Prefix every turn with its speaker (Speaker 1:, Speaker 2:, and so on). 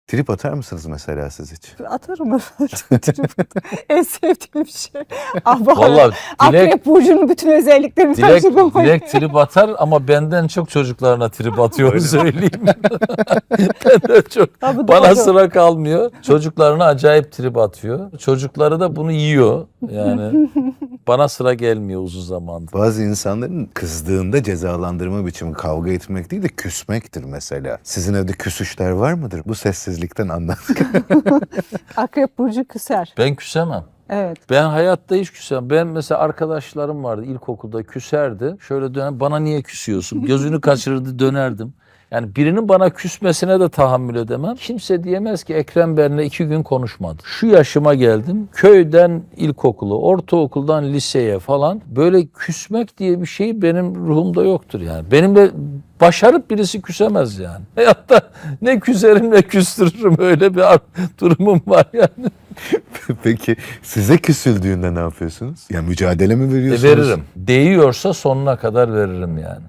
Speaker 1: Trip atar mısınız mesela siz hiç?
Speaker 2: Atarım efendim. En sevdiğim şey. Ama
Speaker 3: Vallahi
Speaker 2: Akrep Burcu'nun bütün özelliklerini taşıdım.
Speaker 3: Dilek trip atar ama benden çok çocuklarına trip atıyor söyleyeyim. Benden çok.
Speaker 2: Tabii,
Speaker 3: Bana
Speaker 2: doğru.
Speaker 3: sıra kalmıyor. Çocuklarına acayip trip atıyor. Çocukları da bunu yiyor. Yani bana sıra gelmiyor uzun zamandır.
Speaker 1: Bazı insanların kızdığında cezalandırma biçimi kavga etmek değil de küsmektir mesela. Sizin evde küsüşler var mıdır? Bu sessizlikten anlat.
Speaker 2: Akrep Burcu küser.
Speaker 3: Ben küsemem.
Speaker 2: Evet.
Speaker 3: Ben hayatta hiç küsemem. Ben mesela arkadaşlarım vardı ilkokulda küserdi. Şöyle döner, bana niye küsüyorsun? Gözünü kaçırırdı, dönerdim. Yani birinin bana küsmesine de tahammül edemem. Kimse diyemez ki Ekrem benimle 2 gün konuşmadı. Şu yaşıma geldim. Köyden ilkokulu, ortaokuldan liseye falan böyle küsmek diye bir şey benim ruhumda yoktur yani. Benimle başarıp birisi küsemez yani. Hayatta ne küserim ne küstürürüm, öyle bir durumum var yani.
Speaker 1: Peki size küsüldüğünde ne yapıyorsunuz? Ya mücadele mi veriyorsunuz?
Speaker 3: Veririm. Değiyorsa sonuna kadar veririm yani.